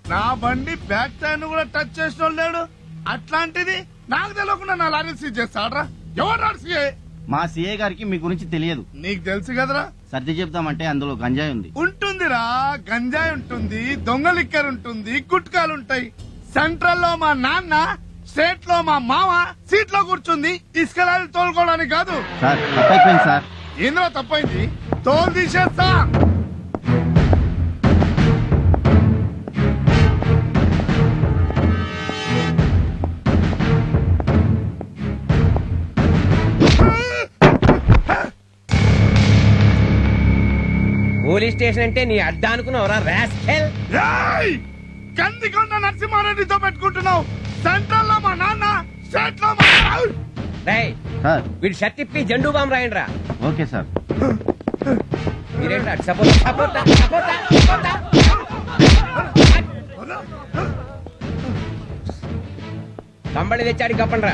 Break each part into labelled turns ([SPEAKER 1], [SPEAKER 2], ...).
[SPEAKER 1] నా బండి back tyre కూడా టచ్ చేసిన లేడు. అట్లాంటిది నాకు తెలియకుండా నా లారీ సీజ్ చేస్తాడ్రా. ఎవరు సీఏ?
[SPEAKER 2] మా సీఏ గారికి మీ గురించి తెలియదు.
[SPEAKER 1] నీకు తెలుసు కదరా.
[SPEAKER 2] సర్ది చెప్తామంటే అందులో గంజాయి ఉంది.
[SPEAKER 1] ఉంటుందిరా, గంజాయి ఉంటుంది, దొంగ లిక్కర్ ఉంటుంది, గుట్కాలుంటాయి. సెంట్రల్ లో మా నాన్న, స్టేట్ లో మా మామ సీట్ లో కూర్చుంది ఇసుక లారీ తోలుకోవడానికి కాదు.
[SPEAKER 2] సార్ తప్పైపోయింది సార్.
[SPEAKER 1] ఏంద్రా తప్పైంది? తోలు తీసేస్తా.
[SPEAKER 3] పోలీస్ స్టేషన్ అంటే నీ అడ్డా అనుకున్నావురా రాస్కెల్.
[SPEAKER 1] కందికొండ నరసింహారెడ్డితో పెట్టుకుంటున్నావు. సెంట్రల్ లో మా నాన్న, స్టేట్ లో మా
[SPEAKER 3] రేయ్
[SPEAKER 2] సార్
[SPEAKER 3] వీడి షర్ట్ ఇప్పి జెండూ బాంబు రాయండిరా.
[SPEAKER 2] Okay sir.
[SPEAKER 3] మీరేంట్రా సపోర్ట్ సపోర్ట్ సపోర్ట్ సపోర్ట్ కంబళి తెచ్చాడు కప్పండ్రా.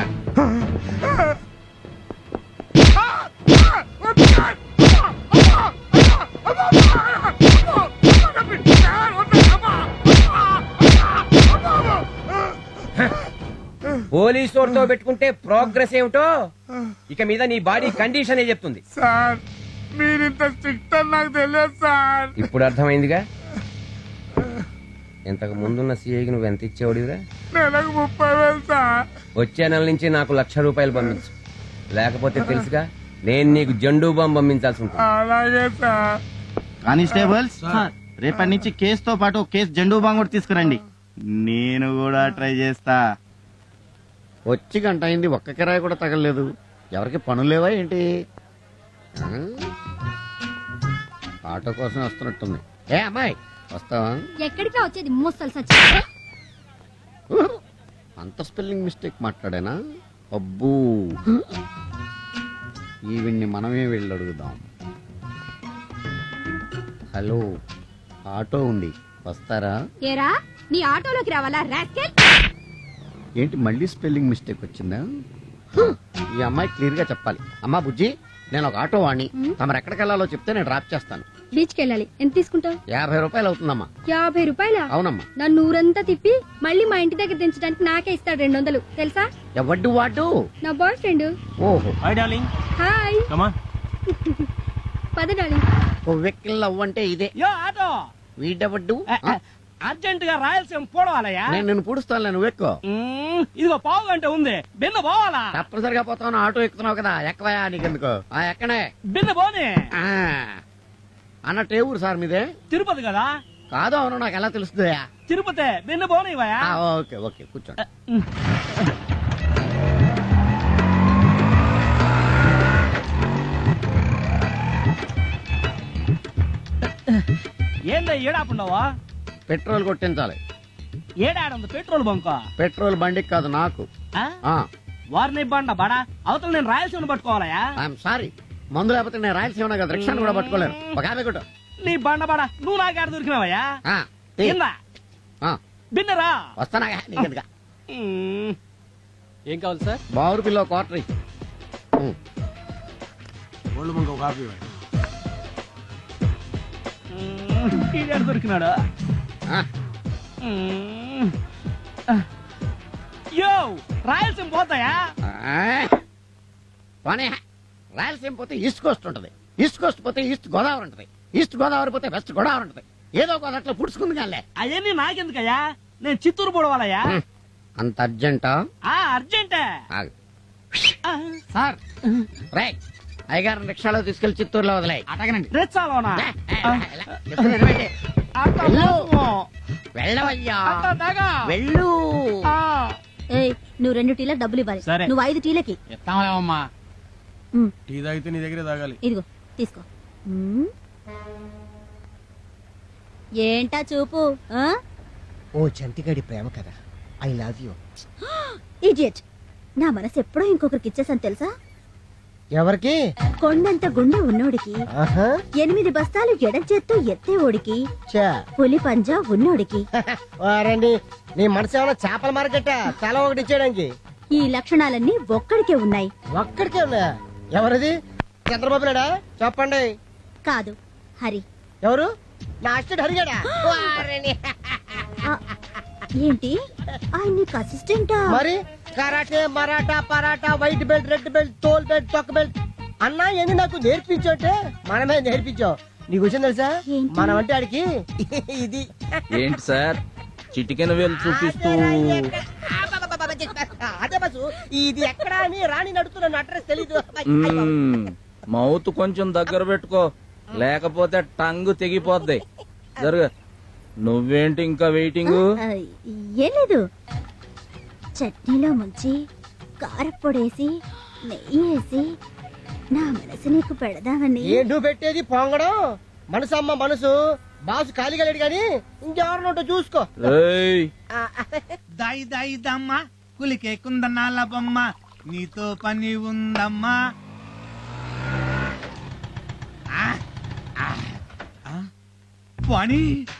[SPEAKER 3] పోలీసు వారితో పెట్టుకుంటే ప్రోగ్రెస్ ఏమిటో ఇక మీద నీ బాడీ కండిషన్ చెప్తుంది.
[SPEAKER 1] సార్ మీరింత స్ట్రిక్ట్ అని నాకు తెలియదు సార్.
[SPEAKER 3] ఇప్పుడు అర్థమైందిగా. ఇంతకు ముందున్న సీఐకి నువ్వు ఎంత ఇచ్చేవాడివిరా?
[SPEAKER 1] నెలకు 30,000 సార్.
[SPEAKER 3] వచ్చే నెల నుంచి నాకు ₹1,00,000 పంపించు. లేకపోతే తెలుసుగా నేను నీకు జెండూ బాంబు పంపించాల్సి ఉంటుంది.
[SPEAKER 1] అలాగే సార్.
[SPEAKER 2] కానిస్టేబుల్స్ రేపటి నుంచి కేసుతో పాటు కేసు జెండూ బాంబు కూడా తీసుకురండి. నేను కూడా ట్రై చేస్తా.
[SPEAKER 4] వచ్చి గంట అయింది, ఒక్క కిరాయి కూడా తగలలేదు. ఎవరికి పనులు లేవా ఏంటి? ఆటో కోసం వస్తున్నట్టుంది. ఏ అమ్మాయి వస్తావా?
[SPEAKER 5] ఎక్కడికి వచ్చేది మోస్తలు సచ్చి.
[SPEAKER 4] అంత స్పెల్లింగ్ మిస్టేక్ మాట్లాడానా? అబ్బూ, ఈవిడ్ని మనమే వెళ్ళి అడుగుదాం. హలో, ఆటో ఉంది, వస్తారా?
[SPEAKER 5] ఏరా నీ ఆటోలోకి రావాలా రాస్కెల్?
[SPEAKER 4] ఏంటి మళ్ళీ స్పెల్లింగ్ మిస్టేక్ వచ్చిందా? ఈ అమ్మాయి క్లియర్ గా చెప్పాలి. అమ్మా బుజ్జి, నేను ఒక ఆటో వాణ్ణి, తమరు ఎక్కడికి వెళ్ళాలో చెప్తే నేను డ్రాప్ చేస్తాను.
[SPEAKER 5] బీచ్ కి వెళ్ళాలి. ఎంత తీసుకుంటావు?
[SPEAKER 4] 50 రూపాయలు అవుతుందమ్మా.
[SPEAKER 5] 50 రూపాయల?
[SPEAKER 4] అవునమ్మా.
[SPEAKER 5] నన్ను ఊరంతా తిప్పి మళ్ళీ మా ఇంటి దగ్గర దించడానికి నాకే ఇస్తాడు 200 తెలుసా?
[SPEAKER 4] ఎవడ్డు వాడు?
[SPEAKER 5] నా బాయ్ ఫ్రెండ్.
[SPEAKER 4] ఓహో,
[SPEAKER 2] hi darling.
[SPEAKER 5] Hi.
[SPEAKER 2] Come on.
[SPEAKER 5] పద డార్లింగ్.
[SPEAKER 4] ఓ వెక్కిల్ అవ్వంటే ఇదే.
[SPEAKER 6] యో ఆటో
[SPEAKER 4] వీడెవడ్డు?
[SPEAKER 6] అర్జెంట్ గా రాయలసీమ పోవాలయ్యా.
[SPEAKER 4] నేను నిన్ను పూడుస్తాను, నువ్వు ఎక్కువ.
[SPEAKER 6] ఇదిగో పావు గంట ఉంది, బిన్న పోవాలా?
[SPEAKER 4] తప్పనిసరిగా పోతావు, ఆటో ఎక్కుతున్నావు కదా, ఎక్కవయా నీకెందుకు? ఎక్కనే
[SPEAKER 6] బిన్న పోనీ.
[SPEAKER 4] అన్నట్టు ఏ ఊరు సార్ మీదే?
[SPEAKER 6] తిరుపతి కదా.
[SPEAKER 4] కాదు, అవును, నాకు ఎలా తెలుస్తుంది?
[SPEAKER 6] తిరుపతి, బిన్న పోనీవయ్యా.
[SPEAKER 4] ఓకే ఓకే, కూర్చోండి.
[SPEAKER 6] ఏందా ఏడాపుండవా?
[SPEAKER 4] పెట్రోల్ కొట్టించాలి.
[SPEAKER 6] ఏడాడుంది పెట్రోల్ బంక్?
[SPEAKER 4] పెట్రోల్ బండికి కాదు, నాకు.
[SPEAKER 6] వారిని బండ బడా అవతల నేను రాయలసీమను పట్టుకోవాలయా?
[SPEAKER 4] ఐఎమ్ సారీ, మందు లేకపోతే నేను రాయలసీమ కదా, రిక్షాను కూడా పట్టుకోలేను. ఒక ఆమె కొట్టు.
[SPEAKER 6] నీ బండ బడా నువ్వు నాకేడ దొరికినావయ్యా? బిన్నరా
[SPEAKER 4] వస్తానా నీకెందుక?
[SPEAKER 6] ఏం కావాలి సార్?
[SPEAKER 4] బావురు పిల్ల క్వార్టర్
[SPEAKER 6] దొరికినాడు. యో రాయలసీమ పోతాయా?
[SPEAKER 4] పోనీ, రాయలసీమ పోతే ఈస్ట్ కోస్ట్ ఉంటది, ఈస్ట్ కోస్ట్ పోతే ఈస్ట్ గోదావరి ఉంటది, ఈస్ట్ గోదావరి పోతే వెస్ట్ గోదావరి ఉంటది. ఏదో ఒక అట్లా పుడుచుకుంది కానీ.
[SPEAKER 6] అవన్నీ నాకెందుకయ్యా? నేను చిత్తూరు పోవాలయ్యా.
[SPEAKER 4] అంత అర్జెంటా?
[SPEAKER 6] అర్జెంటే
[SPEAKER 4] సార్. రే, అయ్యగారు రిక్షాలో తీసుకెళ్లి చిత్తూరులో వదిలే.
[SPEAKER 6] అటగనండి. రెచ్చాలోనా?
[SPEAKER 4] వెళ్ళవయ్యా, వెళ్ళు.
[SPEAKER 5] ఏయ్, నువ్వు 2 టీలకు డబ్బులు ఇవ్వాలి. నువ్వు 5 టీలకి
[SPEAKER 6] ఇస్తామా?
[SPEAKER 7] టీ తాగితే నీ దగ్గరే తాగాలి.
[SPEAKER 5] ఇదిగో తీసుకో. ఏంటా చూపు?
[SPEAKER 8] ఓ చంటిగాడి ప్రేమ కదా, ఐ లవ్ యూ.
[SPEAKER 5] ఇడియట్, నా మనసు ఎప్పుడో ఇంకొకరికి ఇచ్చేసాను తెలుసా?
[SPEAKER 8] ఎవరికి?
[SPEAKER 5] కొండంత గుండె ఉన్నోడికి, 8 బస్తాలు ఎడం చేత్తో ఎత్తేవాడికి, పులి పంజా ఉన్నోడికి.
[SPEAKER 8] వారండి, నీ మనసు ఏమైనా చేపల మార్కెట్? తల ఒకటి ఇచ్చేయడానికి.
[SPEAKER 5] ఈ లక్షణాలన్నీ ఒక్కడికే ఉన్నాయి.
[SPEAKER 8] ఒక్కడికే ఉన్నాయా? ఎవరిది? చంద్రబాబు నాయుడా? చెప్పండి.
[SPEAKER 5] కాదు, హరి.
[SPEAKER 8] ఎవరు? నా అసిస్టెంట్ హరిగాడా?
[SPEAKER 5] ఏంటి ఆయన నీకు అసిస్టెంటా?
[SPEAKER 8] మరి karate Maratha paratha white belt red belt తోల్ బెల్ట్ తొక్క బెల్ట్ అన్నా ఏంది నాకు నేర్పించంటే మనమే నేర్పించాం. నీకు విషయం తెలుసా?
[SPEAKER 5] ఏంటి?
[SPEAKER 8] మనం అంటే ఆడికి ఇది
[SPEAKER 9] ఏంటి సార్ చిటికెన వేలు చూపిస్తూ
[SPEAKER 8] అదే బస్సు ఇది ఎక్కడ అని రాణి నడుతున్నాను అడ్రస్ తెలీదు.
[SPEAKER 9] మౌత్ కొంచెం దగ్గర పెట్టుకో లేకపోతే టంగ్ తెగిపోద్ది జరుగు. నువ్వేంటి ఇంకా వెయిటింగ్?
[SPEAKER 5] ఆ, ఏం లేదు, చట్నీలో ముంచి కారప్పొడేసి నెయ్యి వేసి నా మనసు నీకు పెడదామని.
[SPEAKER 8] ఏంటూ పెట్టేది పొంగడం? మనసు అమ్మ మనసు, బాసు ఖాళీగా లేడు గాని ఇంకెవరినోటో చూసుకో.
[SPEAKER 9] ఏయ్,
[SPEAKER 1] దాయి దాయి దమ్మ కులికే కుందనాల బొమ్మ నీతో పని ఉందమ్మా. పని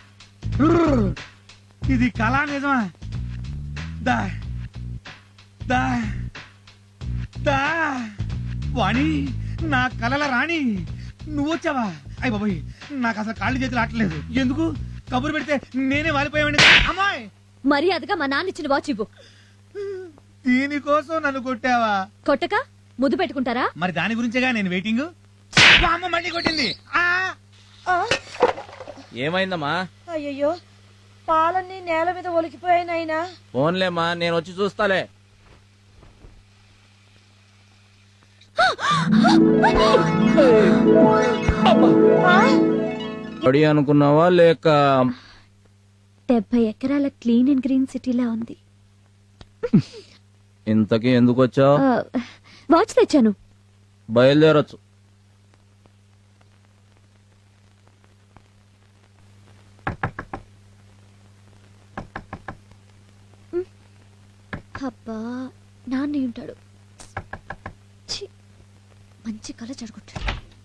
[SPEAKER 1] ఇది కళా నిజమా? దా దా దా పని నా కలల రాణి నువ్వు వచ్చావా? అయ్య బాబోయ్, నాకు అసలు కాళ్ళు చేతులు ఆటలేదు. ఎందుకు కబురు పెడితే నేనే వాలిపోయావండి. అమ్మాయి
[SPEAKER 10] మర్యాదగా మా నాన్న ఇచ్చిన వాచ్ ఇవ్వు.
[SPEAKER 1] దీనికోసం నన్ను కొట్టావా?
[SPEAKER 10] కొట్టక ముద్దు పెట్టుకుంటారా?
[SPEAKER 1] మరి దాని గురించేగా నేను వెయిటింగ్. మా అమ్మ మళ్ళీ కొట్టింది.
[SPEAKER 9] ఏమైందమ్మా?
[SPEAKER 10] అయ్యయ్యో, పాలన్నీ నేల మీద ఒలికిపోయాయి నాయనా.
[SPEAKER 9] ఫోన్లేమ్మా, నేను వచ్చి చూస్తాలే. పడి అనుకున్నావా లేక
[SPEAKER 10] 70 ఎకరాల క్లీన్ అండ్ గ్రీన్ సిటీలా ఉంది.
[SPEAKER 9] ఇంతకీ ఎందుకు వచ్చావు?
[SPEAKER 10] వాచ్ తెచ్చాను.
[SPEAKER 9] బయలుదేరొచ్చు.
[SPEAKER 10] అబ్బా, నాన్న ఉంటాడు. ఛీ, మంచి కళ జరుగుతాడు.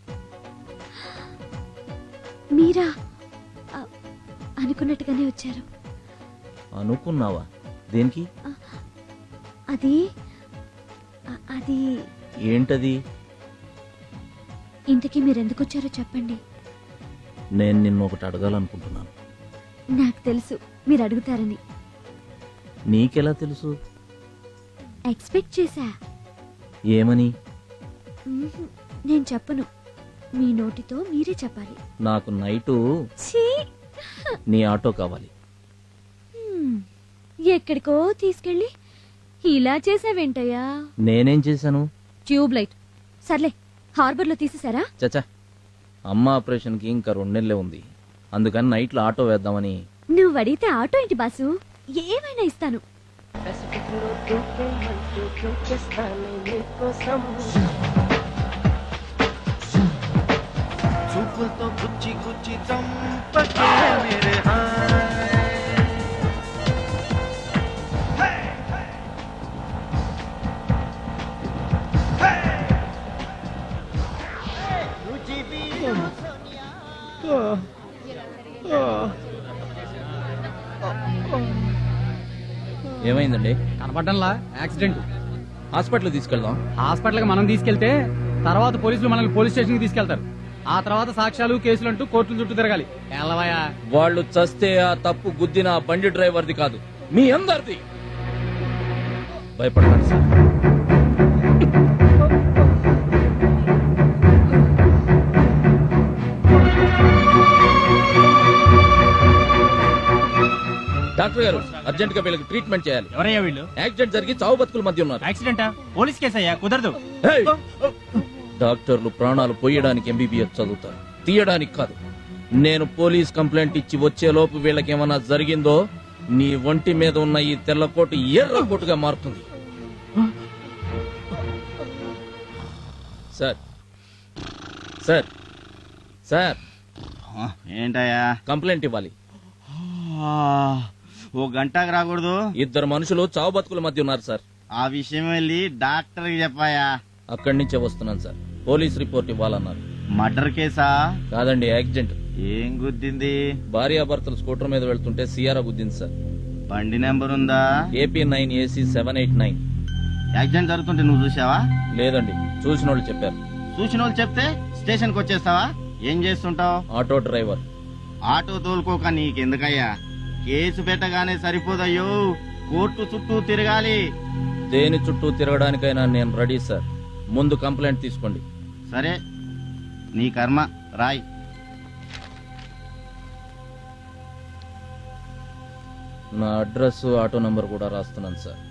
[SPEAKER 10] మీరా అనుకున్నట్టుగానే వచ్చారు.
[SPEAKER 9] అనుకున్నావా? దేనికి?
[SPEAKER 10] అది అది
[SPEAKER 9] ఏంటది?
[SPEAKER 10] ఇంతకీ మీరెందుకు వచ్చారో చెప్పండి.
[SPEAKER 9] నేను నిన్ను ఒకటి అడగాలనుకుంటున్నాను.
[SPEAKER 10] నాకు తెలుసు మీరు అడుగుతారని.
[SPEAKER 9] నీకెలా తెలుసు?
[SPEAKER 10] ఎక్స్పెక్ట్ చేశా.
[SPEAKER 9] ఏమని?
[SPEAKER 10] నేను చెప్పను, మీ నోటితో మీరే చెప్పాలి.
[SPEAKER 9] నాకు నైటు
[SPEAKER 10] ఛీ!
[SPEAKER 9] నీ ఆటో కావాలి.
[SPEAKER 10] ఎక్కడికో తీసుకెళ్ళి ఇలా చేసావేంటయ్యా?
[SPEAKER 9] నేనేం చేశాను?
[SPEAKER 10] Tube light. సర్లే, హార్బర్ లో తీసేసారా?
[SPEAKER 9] చచ్చా, అమ్మ ఆపరేషన్ కి ఇంకా 2 నెలలే ఉంది. అందుకని నైట్ లో ఆటో వేద్దామని.
[SPEAKER 10] నువ్వు అడిగితే ఆటో ఏంటి బాసు, ఏమైనా ఇస్తాను.
[SPEAKER 2] చూపులతో గుచ్చి గుచ్చి చంపకే మేరే
[SPEAKER 9] ఏమైందండి?
[SPEAKER 6] కనపడ్డంలా యాక్సిడెంట్.
[SPEAKER 9] హాస్పిటల్ తీసుకెళ్దాం.
[SPEAKER 6] హాస్పిటల్ కి మనం తీసుకెళ్తే తర్వాత పోలీసులు మనల్ని పోలీస్ స్టేషన్ కి తీసుకెళ్తారు. ఆ తర్వాత సాక్ష్యాలు కేసులు అంటూ కోర్టుల చుట్టూ తిరగాలి. ఎల్లవయ్యా,
[SPEAKER 9] వాళ్ళు చస్తే ఆ తప్పు గుద్దిన ఆ బండి డ్రైవర్ది కాదు, మీ అందరిది. భయపడకండి సార్. డాక్టర్ గారు, అర్జెంట్ గా వీళ్ళకి ట్రీట్మెంట్ చేయాలి.
[SPEAKER 6] ఎవరయ్యా వీళ్ళు?
[SPEAKER 9] యాక్సిడెంట్ జరిగి చావు బతుకుల మధ్య ఉన్నారు.
[SPEAKER 6] యాక్సిడెంటా? పోలీస్ కేసు అయ్యా, కుదరదు.
[SPEAKER 9] హేయ్! డాక్టర్లు ప్రాణాలు పోయడానికి ఎంబీబీఎస్ చదువుతారు, తీయడానికి కాదు. నేను పోలీస్ కంప్లైంట్ ఇచ్చి వచ్చేలోపు వీళ్ళకేమన్నా జరిగిందో నీ ఒంటి మీద ఉన్న ఈ తెల్లకోటు ఎర్రకోటుగా మారుతుంది. సార్ సార్ సార్,
[SPEAKER 2] ఏంటయ్యా?
[SPEAKER 9] కంప్లైంట్ ఇవ్వాలి.
[SPEAKER 2] ఓ గంటకు రాకూడదు?
[SPEAKER 9] 2 మనుషులు చావు బతుకుల మధ్య ఉన్నారు సార్.
[SPEAKER 2] ఆ విషయం వెళ్ళి డాక్టర్ కి చెప్పాయా?
[SPEAKER 9] అక్కడి నుంచే వస్తున్నాను సార్. పోలీస్ రిపోర్ట్ ఇవ్వాలన్నారు.
[SPEAKER 2] మర్డర్ కేసా?
[SPEAKER 9] కాదండి, యాక్సిడెంట్.
[SPEAKER 2] ఏం గుద్దింది?
[SPEAKER 9] భార్యాభర్తలు స్కూటర్ మీద వెళ్తుంటే సియారా గుద్దింది సార్.
[SPEAKER 2] బండి నెంబర్ ఉందా?
[SPEAKER 9] AP9AC789.
[SPEAKER 2] యాక్సిడెంట్ జరుగుతుంటే నువ్వు చూసావా?
[SPEAKER 9] లేదండి, చూసిన వాళ్ళు చెప్పారు.
[SPEAKER 2] చూసిన వాళ్ళు చెప్తే స్టేషన్ కి వచ్చేస్తావా? ఏం చేస్తుంటావు?
[SPEAKER 9] Auto driver.
[SPEAKER 2] ఆటో తోలుకోక నీకెందుకయ్యా? కేసు పెట్టగానే సరిపోదయ్యో, కోర్టు చుట్టూ తిరగాలి.
[SPEAKER 9] దేని చుట్టూ తిరగడానికైనా నేను రెడీ సార్. ముందు కంప్లైంట్ తీసుకోండి.
[SPEAKER 2] సరే, నీ కర్మ, రాయ్.
[SPEAKER 9] నా అడ్రస్, ఆటో నంబర్ కూడా రాస్తున్నాను సార్.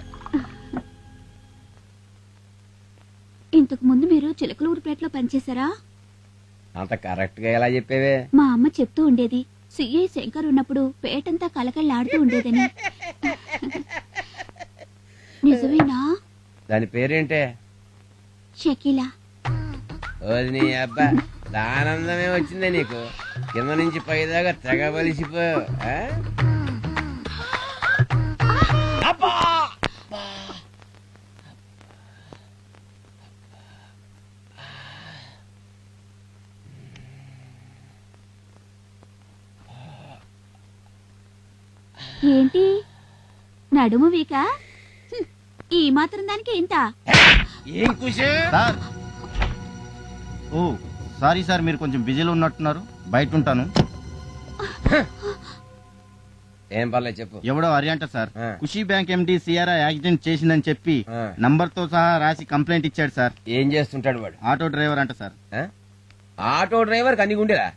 [SPEAKER 10] ఇంతకు ముందు మీరు చిలకలూరుపేటలో పనిచేశారా?
[SPEAKER 3] అంత కరెక్ట్ గా ఎలా చెప్పేవే?
[SPEAKER 10] మా అమ్మ చెప్తూ ఉండేది, సిఐ శంకర్ ఉన్నప్పుడు పేటంతా కలకళ్ళాడుతూ ఉండేదని. నిజమేనా?
[SPEAKER 3] దాని పేరేంటే?
[SPEAKER 10] షకీలా.
[SPEAKER 3] ఓది నీ అబ్బా, ఆనందమే వచ్చిందే నీకు. కింద నుంచి పైదాకా తెగ బలిసిపో.
[SPEAKER 10] ఏంటి నడుము వీక? ఈ మాత్రం దానికి ఇంత?
[SPEAKER 3] ఏం కుషే?
[SPEAKER 2] సార్, ఓ సారీ సార్, మీరు కొంచెం బిజీలో ఉన్నట్టున్నారు, బయట ఉంటాను.
[SPEAKER 3] ఏం పర్లేదు చెప్పు.
[SPEAKER 2] ఎవడో అరియంట సార్,
[SPEAKER 3] ఆ.
[SPEAKER 2] ఖుషీ బ్యాంక్ ఎండి సిఆర్ఐ యాక్సిడెంట్ చేసిందని చెప్పి
[SPEAKER 3] ఆ.
[SPEAKER 2] నంబర్ తో సహా రాసి కంప్లైంట్ ఇచ్చాడు సార్.
[SPEAKER 3] ఏం చేస్తుంటాడు వాడు?
[SPEAKER 2] ఆటో డ్రైవర్ అంట సార్.
[SPEAKER 3] ఆ? ఆటో డ్రైవర్ కన్ని గుండెలా?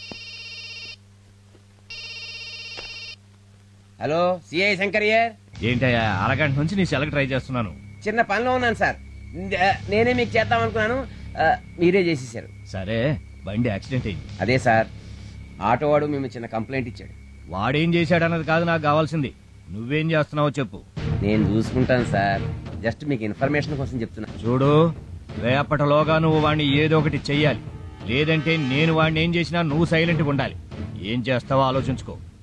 [SPEAKER 3] Hello, CI శంకరియర్.
[SPEAKER 6] ఏంటయ్యా, అరగంట నుంచి నీ సెలకి ట్రై చేస్తున్నాను.
[SPEAKER 3] చిన్న పనిలో ఉన్నాను సార్. నేనే మీకు చేద్దాం అనుకున్నాను, మీరే చేసేసారు.
[SPEAKER 6] సరే, బండి యాక్సిడెంట్ అయింది.
[SPEAKER 3] అదే సార్, ఆటో వాడు మేము చిన్న కంప్లైంట్ ఇచ్చాడు.
[SPEAKER 6] వాడేం చేశాడన్నది కాదు నాకు కావాల్సింది, నువ్వేం చేస్తున్నావో చెప్పు.
[SPEAKER 3] నేను చూసుకుంటాను సార్, జస్ట్ మీకు ఇన్ఫర్మేషన్ కోసం చెప్తున్నా.
[SPEAKER 6] చూడు, రేపటిలోగా నువ్వు వాడిని ఏదో ఒకటి చెయ్యాలి. లేదంటే నేను వాడిని ఏం చేసినా నువ్వు సైలెంట్గా ఉండాలి. ఏం చేస్తావో ఆలోచించుకో.